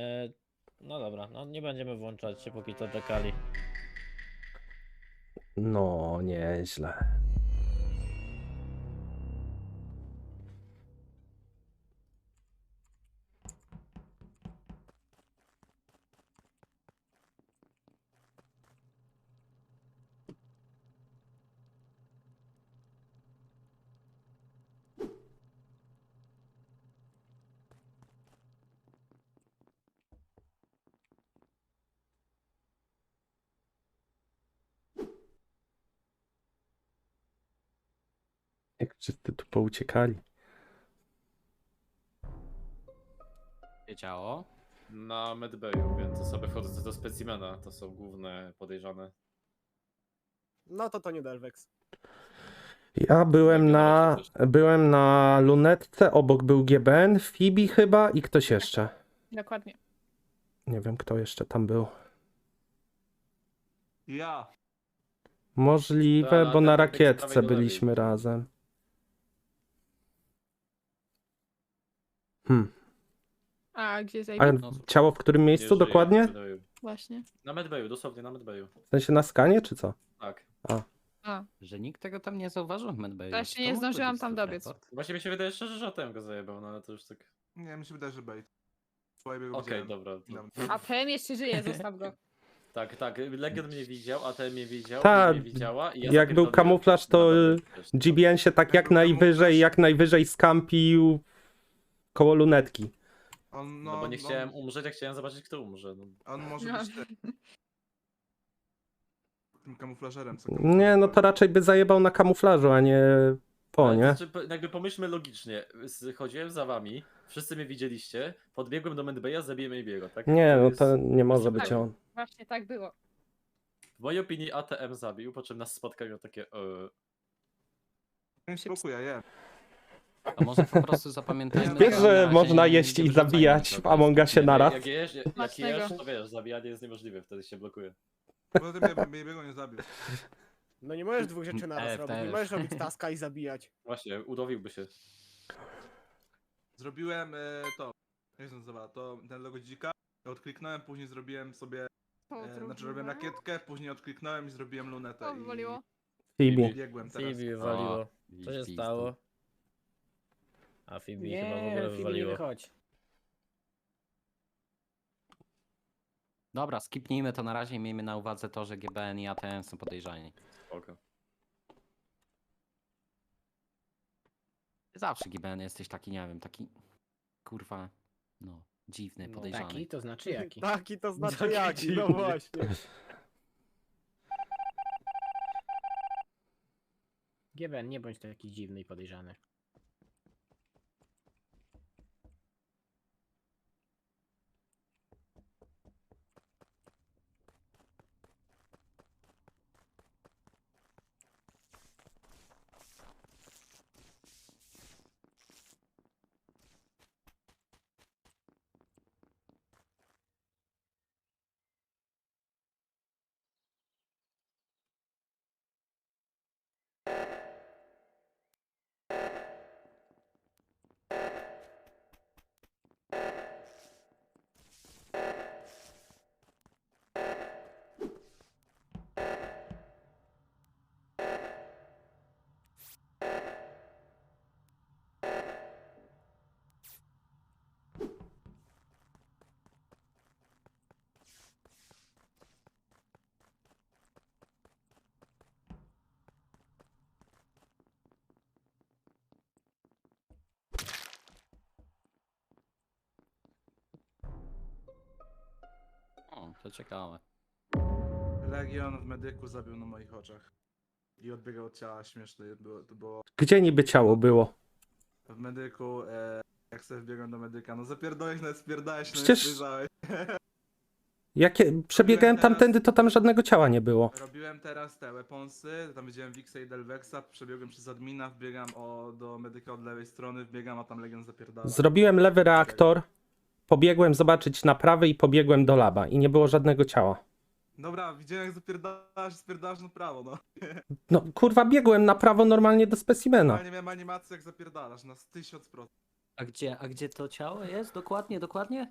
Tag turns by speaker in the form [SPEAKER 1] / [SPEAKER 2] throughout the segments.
[SPEAKER 1] No dobra, no nie będziemy włączać się, póki to czekali.
[SPEAKER 2] No, nieźle. Jak wszyscy tu pouciekali.
[SPEAKER 3] Wiedziało.
[SPEAKER 4] Na medbayu, więc osoby wchodzące do specimena to są główne podejrzane.
[SPEAKER 5] No to nie Delvex.
[SPEAKER 2] Ja byłem na lunetce, obok był GBN, Phoebe chyba i ktoś jeszcze.
[SPEAKER 6] Dokładnie.
[SPEAKER 2] Nie wiem, kto jeszcze tam był.
[SPEAKER 7] Ja.
[SPEAKER 2] Możliwe,
[SPEAKER 4] Ta,
[SPEAKER 2] bo
[SPEAKER 4] na
[SPEAKER 2] na
[SPEAKER 4] ten tekst
[SPEAKER 2] rakietce
[SPEAKER 4] prawej do lewej.
[SPEAKER 2] byliśmy razem.
[SPEAKER 6] A gdzie
[SPEAKER 2] A
[SPEAKER 6] zajmie?
[SPEAKER 2] ciało w którym
[SPEAKER 4] Nie
[SPEAKER 2] miejscu
[SPEAKER 4] żyje
[SPEAKER 2] dokładnie?
[SPEAKER 4] na medbayu.
[SPEAKER 6] Właśnie.
[SPEAKER 4] Na medbayu, dosłownie na medbayu.
[SPEAKER 2] W sensie na skanie, czy co?
[SPEAKER 4] Tak.
[SPEAKER 6] A,
[SPEAKER 3] Że nikt tego tam nie zauważył w medbayu.
[SPEAKER 6] Właśnie
[SPEAKER 3] To
[SPEAKER 6] nie
[SPEAKER 3] mógł
[SPEAKER 6] zdążyłam
[SPEAKER 3] być
[SPEAKER 6] tam dobiec.
[SPEAKER 3] self-report.
[SPEAKER 4] Właśnie mi się wydaje szczerze, że ATM go zajebał, no ale to już tak...
[SPEAKER 7] Nie, mi się wydaje, że bait. Słuchaj, go
[SPEAKER 4] Okej,
[SPEAKER 7] widziałem.
[SPEAKER 4] dobra. To...
[SPEAKER 6] a ten jeszcze żyje, zostaw go.
[SPEAKER 4] Tak, tak, Legion mnie widział, ATM mnie widział,
[SPEAKER 2] Tak,
[SPEAKER 4] mnie widziała i ja
[SPEAKER 2] jak był
[SPEAKER 4] zapierdoliłem
[SPEAKER 2] kamuflaż, to
[SPEAKER 4] na medbayu, wiesz,
[SPEAKER 2] GBN się tak jak najwyżej skampił koło lunetki.
[SPEAKER 7] On,
[SPEAKER 4] No bo nie chciałem umrzeć, jak chciałem zobaczyć, kto umrze. No.
[SPEAKER 7] On może
[SPEAKER 6] No.
[SPEAKER 7] być tym kamuflażerem, co
[SPEAKER 2] Nie, no to raczej by zajebał na kamuflażu, a nie po,
[SPEAKER 4] Ale
[SPEAKER 2] nie?
[SPEAKER 4] to znaczy, jakby pomyślmy logicznie, chodziłem za wami, wszyscy mnie widzieliście, podbiegłem do medbaya, zabiłem Ejbiego, tak?
[SPEAKER 2] Nie, no
[SPEAKER 4] jest-
[SPEAKER 2] to nie może być
[SPEAKER 6] tak.
[SPEAKER 2] on.
[SPEAKER 6] Właśnie tak było.
[SPEAKER 4] W mojej opinii ATM zabił, po czym nas spotkał i miał takie
[SPEAKER 7] Nie spokój, ja jem.
[SPEAKER 3] A może po prostu zapamiętajmy...
[SPEAKER 2] Wiesz,
[SPEAKER 3] na
[SPEAKER 2] że
[SPEAKER 3] razie
[SPEAKER 2] można
[SPEAKER 3] nie
[SPEAKER 2] jeść i
[SPEAKER 3] wyrzucajmy
[SPEAKER 2] zabijać w
[SPEAKER 3] nikogo.
[SPEAKER 2] Among Usie
[SPEAKER 4] nie,
[SPEAKER 2] naraz?
[SPEAKER 4] jak
[SPEAKER 6] Smacznego.
[SPEAKER 4] jesz, to wiesz, zabijanie jest niemożliwe, wtedy się blokuje.
[SPEAKER 7] Poza tym mnie biego nie zabił.
[SPEAKER 5] No nie możesz dwóch rzeczy naraz robić. Nie
[SPEAKER 3] też.
[SPEAKER 5] możesz robić taska i zabijać.
[SPEAKER 4] Właśnie, udowiłby się.
[SPEAKER 7] Zrobiłem to. Jak się nazywa? To ten logo dzika. Odkliknąłem, później zrobiłem sobie. Znaczy robiłem rakietkę, później odkliknąłem i zrobiłem lunetę.
[SPEAKER 6] O, wywaliło.
[SPEAKER 2] Phoebe.
[SPEAKER 7] I biegłem teraz.
[SPEAKER 1] Phoebe wywaliło.
[SPEAKER 3] O,
[SPEAKER 1] Co się
[SPEAKER 3] widzisz,
[SPEAKER 1] stało? A Phoebe chyba w
[SPEAKER 8] Nie,
[SPEAKER 1] ogóle
[SPEAKER 8] Filip, nie
[SPEAKER 1] wywaliło.
[SPEAKER 8] wychodź.
[SPEAKER 3] Dobra, skipnijmy to na razie i miejmy na uwadze to, że GBN i ATM są podejrzani.
[SPEAKER 4] Spoko.
[SPEAKER 3] Zawsze GBN jesteś taki, nie wiem, taki... Kurwa... No, dziwny,
[SPEAKER 8] No,
[SPEAKER 3] podejrzany.
[SPEAKER 8] taki to znaczy jaki.
[SPEAKER 5] Taki to znaczy
[SPEAKER 4] Taki
[SPEAKER 5] jaki, no
[SPEAKER 4] dziwny.
[SPEAKER 5] właśnie.
[SPEAKER 8] GBN, nie bądź taki dziwny i podejrzany.
[SPEAKER 3] O, to ciekawe.
[SPEAKER 7] Legion w medyku zabił na moich oczach. I odbiegał od ciała, śmieszne to było.
[SPEAKER 2] Gdzie niby ciało było?
[SPEAKER 7] W medyku, jak sobie wbiegłem do medyka, no zapierdolałeś, nawet spierdałeś, no
[SPEAKER 2] Przecież-
[SPEAKER 7] nie spojrzałeś.
[SPEAKER 2] Przebiegałem tamtędy, to tam żadnego ciała nie było.
[SPEAKER 7] Robiłem teraz te weaponsy, tam widziałem Wixa i Delvexa, przebiegłem przez admina, wbiegam do medyka od lewej strony, wbiegam, a tam Legion zapierdala.
[SPEAKER 2] Zrobiłem lewy reaktor, pobiegłem zobaczyć na prawy i pobiegłem do laba i nie było żadnego ciała.
[SPEAKER 7] Dobra, widziałem jak spierdalasz na prawo, no.
[SPEAKER 2] No kurwa, biegłem na prawo normalnie do specimena.
[SPEAKER 7] Normalnie miałem animację jak zapierdalasz, na 1000%.
[SPEAKER 3] A gdzie to ciało jest? Dokładnie?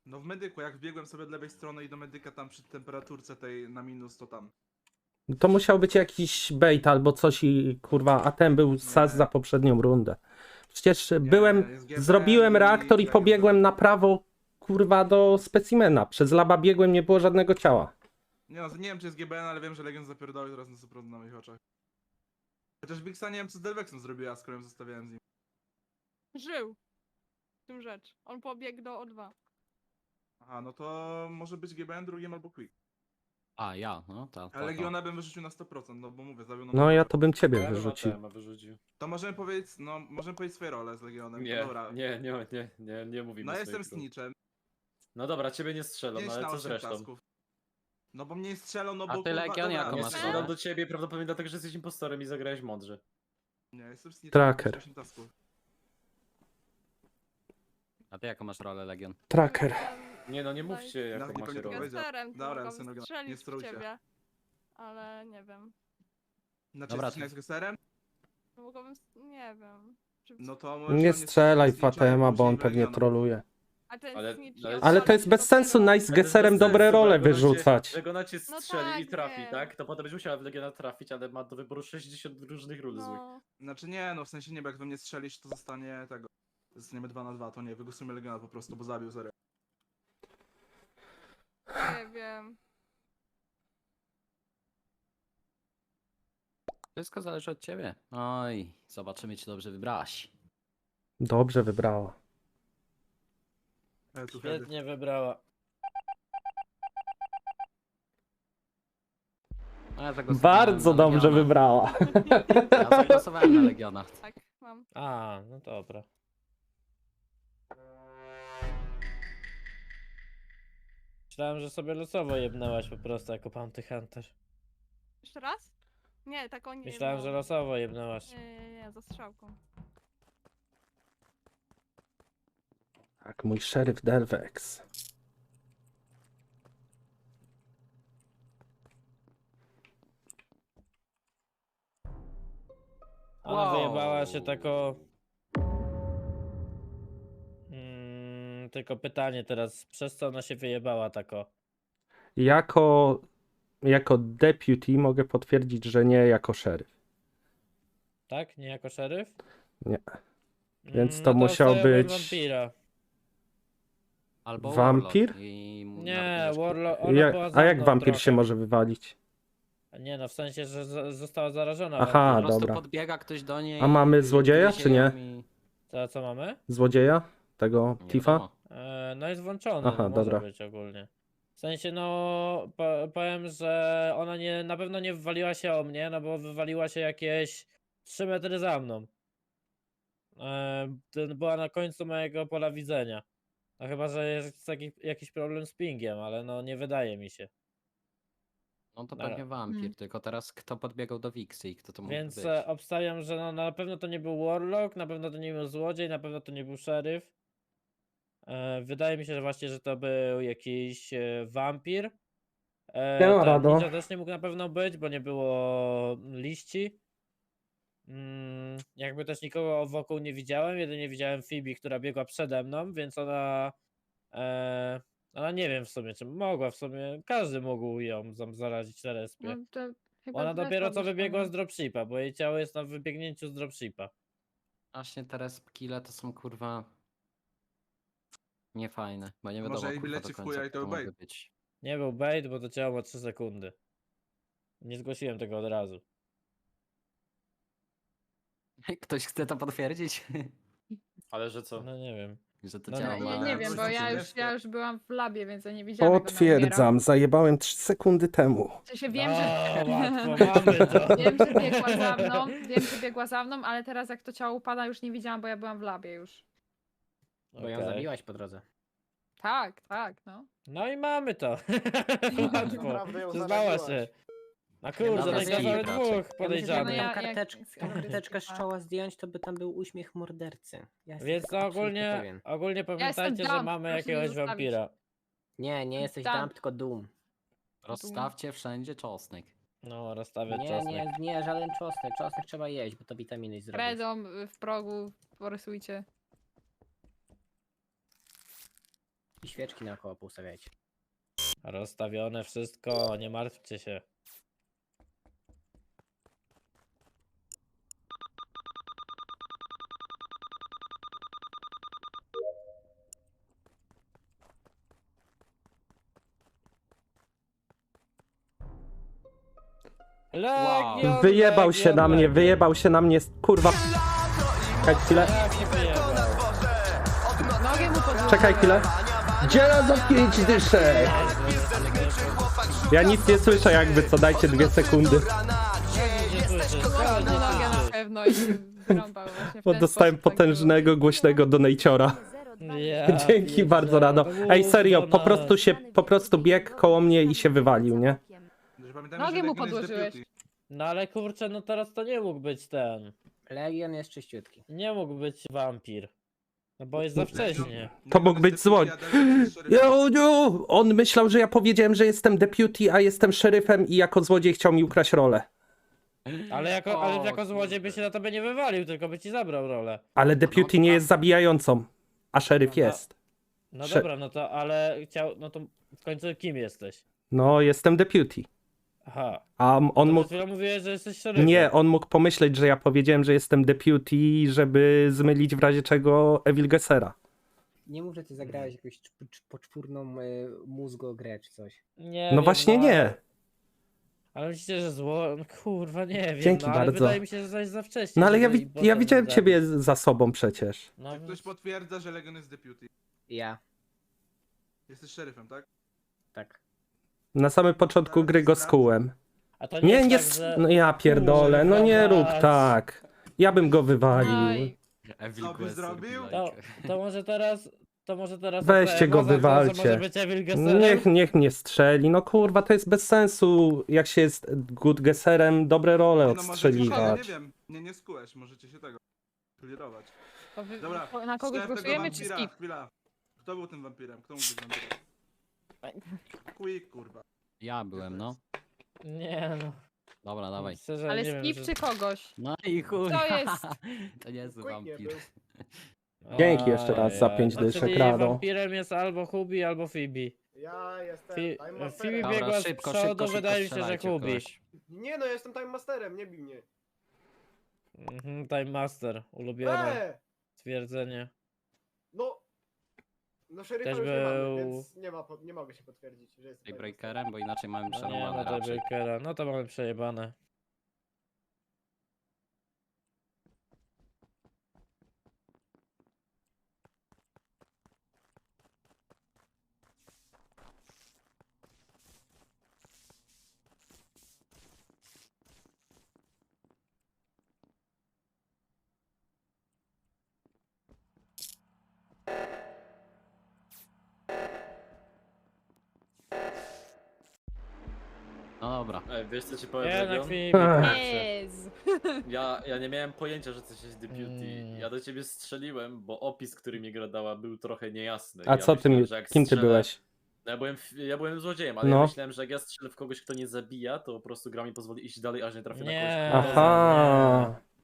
[SPEAKER 7] No w medyku, jak wbiegłem sobie od lewej strony i do medyka tam przy temperaturce tej na minus, to tam.
[SPEAKER 2] To musiał być jakiś bait albo coś i kurwa, a ten był sas za poprzednią rundę. Przecież
[SPEAKER 7] jest GBN
[SPEAKER 2] zrobiłem
[SPEAKER 7] i
[SPEAKER 2] reaktor i
[SPEAKER 7] Legend.
[SPEAKER 2] pobiegłem na prawo, kurwa, do specimena. Przez laba biegłem, nie było żadnego ciała.
[SPEAKER 7] Nie no, nie wiem czy jest GBN, ale wiem, że Legend zapierdolił teraz na 100% na moich oczach. Chociaż Wixa nie wiem co z Delvexem zrobiła, skoro ją zostawiałem z nim.
[SPEAKER 9] Żył. W tym rzecz. On pobiegł do O2.
[SPEAKER 7] Aha, no to może być GBN drugim albo Quick.
[SPEAKER 3] A, ja, no to.
[SPEAKER 7] Ale Legiona bym wyrzucił na 100%, no bo mówię, zabił nam
[SPEAKER 2] No ja
[SPEAKER 7] medyka.
[SPEAKER 2] to bym ciebie
[SPEAKER 4] Ja bym
[SPEAKER 2] wyrzucił.
[SPEAKER 4] ATM-a wyrzucił.
[SPEAKER 7] To możemy powiedzieć, no możemy powiedzieć swoje role z Legionem.
[SPEAKER 4] Nie,
[SPEAKER 7] Dobra.
[SPEAKER 4] nie mówimy
[SPEAKER 7] No jestem
[SPEAKER 4] swoich ról.
[SPEAKER 7] snitchem.
[SPEAKER 4] No dobra, ciebie nie strzelam,
[SPEAKER 7] 5
[SPEAKER 4] no ale
[SPEAKER 7] na
[SPEAKER 4] co
[SPEAKER 7] 8
[SPEAKER 4] zresztą?
[SPEAKER 7] tasków. No bo mnie strzelą, no
[SPEAKER 3] A
[SPEAKER 7] bo
[SPEAKER 3] ty,
[SPEAKER 7] kurwa,
[SPEAKER 3] Legion,
[SPEAKER 7] dobra,
[SPEAKER 3] jako
[SPEAKER 7] no
[SPEAKER 4] Nie
[SPEAKER 3] masz
[SPEAKER 7] strzelam
[SPEAKER 4] strzelam
[SPEAKER 3] rolę?
[SPEAKER 4] do ciebie prawdopodobnie dlatego, że jesteś impostorem i zagrałeś mądrze.
[SPEAKER 7] Nie, jestem snitchem.
[SPEAKER 2] Tracker.
[SPEAKER 7] 8 tasków.
[SPEAKER 3] A ty jaką masz rolę, Legion?
[SPEAKER 2] Tracker.
[SPEAKER 4] Nie no, nie mówcie jaką
[SPEAKER 7] Nawet nie
[SPEAKER 4] macie
[SPEAKER 7] pamiętam,
[SPEAKER 4] rolę.
[SPEAKER 7] powiedział.
[SPEAKER 9] Gesterem to
[SPEAKER 7] Dobra,
[SPEAKER 9] mogłabym
[SPEAKER 7] synowie, nie
[SPEAKER 9] strzelić w
[SPEAKER 7] strujcie.
[SPEAKER 9] ciebie. Ale nie wiem.
[SPEAKER 7] Znaczy
[SPEAKER 3] Dobra,
[SPEAKER 7] jesteś
[SPEAKER 3] to-
[SPEAKER 7] z Gesterem?
[SPEAKER 9] Mogłabym... Nie wiem. Czy...
[SPEAKER 7] No to
[SPEAKER 2] Nie
[SPEAKER 7] możesz
[SPEAKER 2] strzelaj
[SPEAKER 7] snitcha i
[SPEAKER 2] Fatema, bo on
[SPEAKER 7] później
[SPEAKER 2] pewnie
[SPEAKER 7] Legiona.
[SPEAKER 2] troluje.
[SPEAKER 9] A ten
[SPEAKER 4] Ale-
[SPEAKER 9] snitch
[SPEAKER 4] ale-
[SPEAKER 9] nie
[SPEAKER 2] Ale to jest
[SPEAKER 9] odpalił
[SPEAKER 2] bez sensu
[SPEAKER 9] dopiero.
[SPEAKER 2] nice z
[SPEAKER 4] Ale to jest
[SPEAKER 2] Gesserem
[SPEAKER 4] bez
[SPEAKER 2] dobre
[SPEAKER 4] sensu, bo
[SPEAKER 2] role
[SPEAKER 4] jak ona cię-
[SPEAKER 2] wyrzucać.
[SPEAKER 4] Jak ona cię
[SPEAKER 9] No
[SPEAKER 4] strzeli
[SPEAKER 9] tak,
[SPEAKER 4] i trafi,
[SPEAKER 9] wiem.
[SPEAKER 4] tak? To potem będzie musiała w Legiona trafić, ale ma do wyboru 60 różnych ról złych.
[SPEAKER 9] No,
[SPEAKER 7] Znaczy nie, no w sensie nie, bo jak we mnie strzelisz, to zostanie tego. Zostaniemy 2 na 2, to nie, wygłosujmy Legiona po prostu, bo zabił zero.
[SPEAKER 9] nie wiem.
[SPEAKER 3] Wszystko zależy od ciebie. Oj, zobaczymy, czy dobrze wybrałaś.
[SPEAKER 2] Dobrze wybrała.
[SPEAKER 7] Tu heady.
[SPEAKER 1] Świetnie wybrała.
[SPEAKER 3] A ja zagłosowałem
[SPEAKER 2] Bardzo
[SPEAKER 3] na
[SPEAKER 2] dobrze
[SPEAKER 3] Legiona.
[SPEAKER 2] wybrała.
[SPEAKER 3] Ja zagłosowałem na Legiona.
[SPEAKER 9] Tak, mam.
[SPEAKER 1] A, no dobra. Myślałem, że sobie losowo jebnęłaś po prostu jako Bounty Hunter.
[SPEAKER 9] Jeszcze raz? Nie, tak on nie.
[SPEAKER 1] Myślałem, że losowo jebnęłaś.
[SPEAKER 9] Nie, za strzałką.
[SPEAKER 2] Tak, mój szeryf Delvex.
[SPEAKER 1] Ona
[SPEAKER 3] Wow.
[SPEAKER 1] wyjebała się tako... tylko pytanie teraz, przez co ona się wyjebała tako?
[SPEAKER 2] Jako deputy mogę potwierdzić, że nie jako szeryf.
[SPEAKER 1] Tak? Nie jako szeryf?
[SPEAKER 2] Nie. Więc to
[SPEAKER 1] no
[SPEAKER 2] musiał
[SPEAKER 1] obstawiam
[SPEAKER 2] być-
[SPEAKER 1] Wampira.
[SPEAKER 3] Albo
[SPEAKER 2] Wampir?
[SPEAKER 3] Warlock i
[SPEAKER 1] Nie,
[SPEAKER 3] narkotyki.
[SPEAKER 1] Warlock, ona była za
[SPEAKER 2] A jak
[SPEAKER 1] mną
[SPEAKER 2] wampir
[SPEAKER 1] trochę.
[SPEAKER 2] się może wywalić?
[SPEAKER 1] Nie no, w sensie, że została zarażona.
[SPEAKER 2] Aha,
[SPEAKER 3] Po prostu
[SPEAKER 2] dobra.
[SPEAKER 3] podbiega ktoś do niej.
[SPEAKER 2] A mamy
[SPEAKER 3] i
[SPEAKER 2] złodzieja,
[SPEAKER 3] gryzie
[SPEAKER 2] czy nie?
[SPEAKER 3] ją i-
[SPEAKER 1] Co mamy?
[SPEAKER 2] Złodzieja? Tego
[SPEAKER 3] Nie
[SPEAKER 2] Tifa?
[SPEAKER 3] wiadomo.
[SPEAKER 1] No jest włączony,
[SPEAKER 2] Aha,
[SPEAKER 1] no może
[SPEAKER 2] dobra.
[SPEAKER 1] być ogólnie. W sensie, no, powiem, że ona na pewno nie wywaliła się o mnie, no bo wywaliła się jakieś 3 metry za mną. Była na końcu mojego pola widzenia. No chyba, że jest jakiś problem z pingiem, ale no nie wydaje mi się.
[SPEAKER 3] No to
[SPEAKER 1] Dobra.
[SPEAKER 3] pewnie wampir, tylko teraz kto podbiegał do Wixy i kto to mógł
[SPEAKER 1] Więc
[SPEAKER 3] być?
[SPEAKER 1] obstawiam, że no, na pewno to nie był Warlock, na pewno to nie był złodziej, na pewno to nie był szeryf. Wydaje mi się, że właśnie, że to był jakiś wampir.
[SPEAKER 2] Siema, Rado.
[SPEAKER 1] Ninja też nie mógł na pewno być, bo nie było liści. Jakby też nikogo wokół nie widziałem, jedynie widziałem Phoebe, która biegła przede mną, więc ona nie wiem w sumie, czy mogła w sumie, każdy mógł ją zarazić na respie.
[SPEAKER 6] No, to chyba
[SPEAKER 1] Ona
[SPEAKER 6] Zresztą
[SPEAKER 1] dopiero co
[SPEAKER 6] wyszła,
[SPEAKER 1] wybiegła
[SPEAKER 6] no.
[SPEAKER 1] z dropshipa, bo jej ciało jest na wybiegnięciu z dropshipa.
[SPEAKER 3] Właśnie teraz kile to są kurwa niefajne, bo nie
[SPEAKER 7] Może
[SPEAKER 3] wiadomo
[SPEAKER 7] jej
[SPEAKER 3] kurwa
[SPEAKER 7] bileci
[SPEAKER 3] do
[SPEAKER 7] w
[SPEAKER 3] końca
[SPEAKER 7] chuja i
[SPEAKER 3] kto
[SPEAKER 7] to
[SPEAKER 3] to
[SPEAKER 7] bait.
[SPEAKER 3] może być.
[SPEAKER 1] Nie był bait, bo to ciało ma 3 sekundy. Nie zgłosiłem tego od razu.
[SPEAKER 3] Ktoś chce to potwierdzić?
[SPEAKER 4] Ale że co?
[SPEAKER 1] No nie wiem.
[SPEAKER 3] Że to
[SPEAKER 1] No
[SPEAKER 3] ciało
[SPEAKER 1] nie,
[SPEAKER 3] ma...
[SPEAKER 6] Nie wiem, bo
[SPEAKER 7] coś
[SPEAKER 6] ja już byłam w labie, więc ja nie widziałam jak ona umiera.
[SPEAKER 2] Potwierdzam, zajebałem 3 sekundy temu.
[SPEAKER 6] W sensie wiem, że...
[SPEAKER 1] łatwo, mamy to.
[SPEAKER 6] Wiem, że biegła za mną, ale teraz jak to ciało upada już nie widziałam, bo ja byłam w labie już.
[SPEAKER 8] Bo ją
[SPEAKER 1] Okej.
[SPEAKER 8] zabiłaś po drodze.
[SPEAKER 6] Tak, no.
[SPEAKER 1] No i mamy to. Łatwo.
[SPEAKER 5] Naprawdę ją
[SPEAKER 1] Przyznała
[SPEAKER 5] zaraziłaś.
[SPEAKER 1] się. Na
[SPEAKER 3] Dobra,
[SPEAKER 1] kurde, no i
[SPEAKER 3] zjebie
[SPEAKER 1] mamy
[SPEAKER 3] raczej.
[SPEAKER 1] dwóch
[SPEAKER 8] Ja myślę, że
[SPEAKER 1] podejrzanych.
[SPEAKER 8] jakby
[SPEAKER 6] ja-
[SPEAKER 8] tą
[SPEAKER 6] jak-
[SPEAKER 8] karteczkę z czoła zdjąć, to by tam był uśmiech mordercy. Ja jestem
[SPEAKER 1] Więc
[SPEAKER 8] tego
[SPEAKER 1] no
[SPEAKER 8] absolutnie
[SPEAKER 1] ogólnie,
[SPEAKER 8] pewien.
[SPEAKER 1] ogólnie pamiętajcie, że
[SPEAKER 6] dump,
[SPEAKER 1] mamy
[SPEAKER 6] proszę mnie
[SPEAKER 1] jakiegoś
[SPEAKER 6] zostawić.
[SPEAKER 1] wampira.
[SPEAKER 8] Nie jesteś
[SPEAKER 6] Tam.
[SPEAKER 8] dump, tylko doom.
[SPEAKER 3] Rozstawcie wszędzie czosnek.
[SPEAKER 1] No, rozstawię
[SPEAKER 8] Nie,
[SPEAKER 1] czosnek.
[SPEAKER 8] nie, żaden czosnek. Czosnek trzeba jeść, bo to witaminy zrobisz.
[SPEAKER 6] Redom w progu, porysujcie.
[SPEAKER 8] I świeczki naokoło poustawiajcie.
[SPEAKER 1] Rozstawione wszystko, nie martwcie się. Legion,
[SPEAKER 2] Wyjebał się na mnie,
[SPEAKER 1] Legion.
[SPEAKER 2] wyjebał się na mnie, kurwa. Czekaj chwilę,
[SPEAKER 1] Jak się wyjebał?
[SPEAKER 6] Nogę mu podłożyłeś.
[SPEAKER 2] czekaj chwilę. Dziela za 5 dyszek. Ja nic nie słyszę jakby co, dajcie 2 sekundy.
[SPEAKER 1] Nie słyszysz,
[SPEAKER 6] Podłożył nogę na pewno i się wyrąbał właśnie w
[SPEAKER 2] Bo
[SPEAKER 6] ten
[SPEAKER 2] dostałem
[SPEAKER 6] sposób, tak
[SPEAKER 2] potężnego, głośnego donajciora.
[SPEAKER 1] Ja
[SPEAKER 2] Dzięki bardzo, Rado. Ej, serio, po prostu biegł koło mnie i się wywalił, nie?
[SPEAKER 7] Że pamiętajmy,
[SPEAKER 6] Nogi
[SPEAKER 7] że
[SPEAKER 6] mu
[SPEAKER 7] Legion jest
[SPEAKER 6] podłożyłeś.
[SPEAKER 7] deputy.
[SPEAKER 1] No ale kurczę, no teraz to nie mógł być ten.
[SPEAKER 8] Legion jest czyściutki.
[SPEAKER 1] Nie mógł być wampir. No bo jest za wcześnie.
[SPEAKER 2] To
[SPEAKER 7] Legion
[SPEAKER 2] mógł
[SPEAKER 7] jest
[SPEAKER 2] być
[SPEAKER 7] deputy,
[SPEAKER 2] złoń.
[SPEAKER 7] a Delvex jest szeryfem.
[SPEAKER 2] On myślał, że ja powiedziałem, że jestem deputy, a jestem szeryfem i jako złodziej chciał mi ukraść rolę.
[SPEAKER 1] Ale jako,
[SPEAKER 3] O,
[SPEAKER 1] ale jako złodziej
[SPEAKER 3] kurde.
[SPEAKER 1] by się na tobie nie wywalił, tylko by ci zabrał rolę.
[SPEAKER 2] Ale deputy nie jest zabijającą, a szeryf
[SPEAKER 1] Aha.
[SPEAKER 2] jest.
[SPEAKER 1] No
[SPEAKER 2] Prze-
[SPEAKER 1] dobra, no to ale chciał, no to w końcu kim jesteś?
[SPEAKER 2] No, jestem deputy.
[SPEAKER 1] Aha.
[SPEAKER 2] A on
[SPEAKER 1] No
[SPEAKER 2] mógł...
[SPEAKER 1] przed chwilą mówiłeś, że jesteś szeryfem.
[SPEAKER 2] Nie, on mógł pomyśleć, że ja powiedziałem, że jestem deputy, żeby zmylić w razie czego Evil Gessera.
[SPEAKER 8] Nie mów, że ty zagrałeś jakąś poczwórną mózgogrę czy coś.
[SPEAKER 1] Nie
[SPEAKER 2] No
[SPEAKER 1] wiem,
[SPEAKER 2] właśnie nie.
[SPEAKER 1] Ale myślicie, że zło... No kurwa, nie wiem.
[SPEAKER 2] Dzięki
[SPEAKER 1] no, ale
[SPEAKER 2] bardzo.
[SPEAKER 1] wydaje mi się, że to jest za wcześnie.
[SPEAKER 2] No ale ja,
[SPEAKER 1] żeby
[SPEAKER 2] ja
[SPEAKER 1] potem
[SPEAKER 2] widziałem
[SPEAKER 1] zabić.
[SPEAKER 2] ciebie za sobą przecież.
[SPEAKER 1] No,
[SPEAKER 7] Czy ktoś potwierdza, że Legion jest deputy?
[SPEAKER 8] Ja,
[SPEAKER 7] Jesteś szeryfem, tak?
[SPEAKER 8] tak.
[SPEAKER 2] Na samym początku gry go skułem.
[SPEAKER 1] a to
[SPEAKER 2] Nie,
[SPEAKER 1] jest
[SPEAKER 2] nie,
[SPEAKER 1] tak, że...
[SPEAKER 2] no ja pierdolę, no nie rób
[SPEAKER 1] Kurwa,
[SPEAKER 2] tak. Ja bym go
[SPEAKER 6] Oj,
[SPEAKER 2] wywalił.
[SPEAKER 3] Evil
[SPEAKER 7] Co by
[SPEAKER 3] Quest
[SPEAKER 7] zrobił?
[SPEAKER 3] robi
[SPEAKER 1] To może teraz... To może teraz...
[SPEAKER 2] Weźcie go,
[SPEAKER 1] Roza, to
[SPEAKER 2] wywalcie.
[SPEAKER 1] Może być Evil Gesserem?
[SPEAKER 2] Niech mnie strzeli. No kurwa, to jest bez sensu. Jak się jest good gesserem, dobre role
[SPEAKER 7] Nie, no możecie się,
[SPEAKER 2] odstrzeliwać.
[SPEAKER 7] nie wiem, nie skułeś, możecie się tego clearować.
[SPEAKER 6] To wy,
[SPEAKER 7] Dobra,
[SPEAKER 6] na kogoś
[SPEAKER 7] szef tego
[SPEAKER 6] głosujemy czy
[SPEAKER 7] wampira,
[SPEAKER 6] skip?
[SPEAKER 7] Chwila. Kto był tym wampirem? Kto mógł być wampirem? Quick, kurwa.
[SPEAKER 3] Ja byłem, no.
[SPEAKER 1] Nie no.
[SPEAKER 3] Dobra, dawaj.
[SPEAKER 1] Szczerze,
[SPEAKER 6] Ale
[SPEAKER 1] nie wiem,
[SPEAKER 6] skip
[SPEAKER 1] że-
[SPEAKER 6] czy kogoś?
[SPEAKER 3] No i chuj.
[SPEAKER 6] To jest-
[SPEAKER 3] To nie jest
[SPEAKER 5] Quick nie
[SPEAKER 3] wampir.
[SPEAKER 5] był.
[SPEAKER 2] Dzięki jeszcze raz za
[SPEAKER 1] Ajaj.
[SPEAKER 2] 5
[SPEAKER 1] No,
[SPEAKER 2] dyszek,
[SPEAKER 1] czyli
[SPEAKER 2] Rado.
[SPEAKER 1] wampirem jest albo Hubi, albo Phoebe.
[SPEAKER 5] Ja jestem
[SPEAKER 1] Fi-
[SPEAKER 5] Time
[SPEAKER 1] Phoebe
[SPEAKER 5] Masterem.
[SPEAKER 1] biegła
[SPEAKER 3] Dobra,
[SPEAKER 1] z
[SPEAKER 3] szybko,
[SPEAKER 1] przodu,
[SPEAKER 3] szybko,
[SPEAKER 1] wydaje mi
[SPEAKER 3] szybko
[SPEAKER 1] się, że
[SPEAKER 3] strzelajcie w
[SPEAKER 1] Hubi.
[SPEAKER 3] kogoś.
[SPEAKER 5] Nie no, ja jestem Time Masterem, nie bij mnie.
[SPEAKER 1] Time Master, ulubione stwierdzenie.
[SPEAKER 5] No. No szeryfa
[SPEAKER 1] Też
[SPEAKER 5] już nie mamy,
[SPEAKER 1] był-
[SPEAKER 5] więc nie mogę się potwierdzić, że jestem Time
[SPEAKER 3] Breakerem, bo inaczej mamy
[SPEAKER 1] No nie
[SPEAKER 3] przerwane
[SPEAKER 1] ma
[SPEAKER 3] raczej.
[SPEAKER 1] Daybreakera, no to mamy przejebane.
[SPEAKER 3] No dobra.
[SPEAKER 4] Ej, wiesz co ci powiem,
[SPEAKER 1] Nie, na
[SPEAKER 4] Legion?
[SPEAKER 1] Phoebe.
[SPEAKER 6] Jezu.
[SPEAKER 4] Ja nie miałem pojęcia, że ty jesteś deputy.
[SPEAKER 1] Mm.
[SPEAKER 4] Ja do ciebie strzeliłem, bo opis, który mi gra dała, był trochę niejasny.
[SPEAKER 2] A
[SPEAKER 4] Ja
[SPEAKER 2] co ty
[SPEAKER 4] myślałem,
[SPEAKER 2] mi,
[SPEAKER 4] że jak
[SPEAKER 2] kim ty
[SPEAKER 4] strzelę-
[SPEAKER 2] byłeś?
[SPEAKER 4] No ja byłem złodziejem, ale
[SPEAKER 2] No.
[SPEAKER 4] ja myślałem, że jak ja strzelę w kogoś, kto nie zabija, to po prostu gra mi pozwoli iść dalej, aż nie trafię na kogoś,
[SPEAKER 1] Nie.
[SPEAKER 4] kto
[SPEAKER 2] Aha.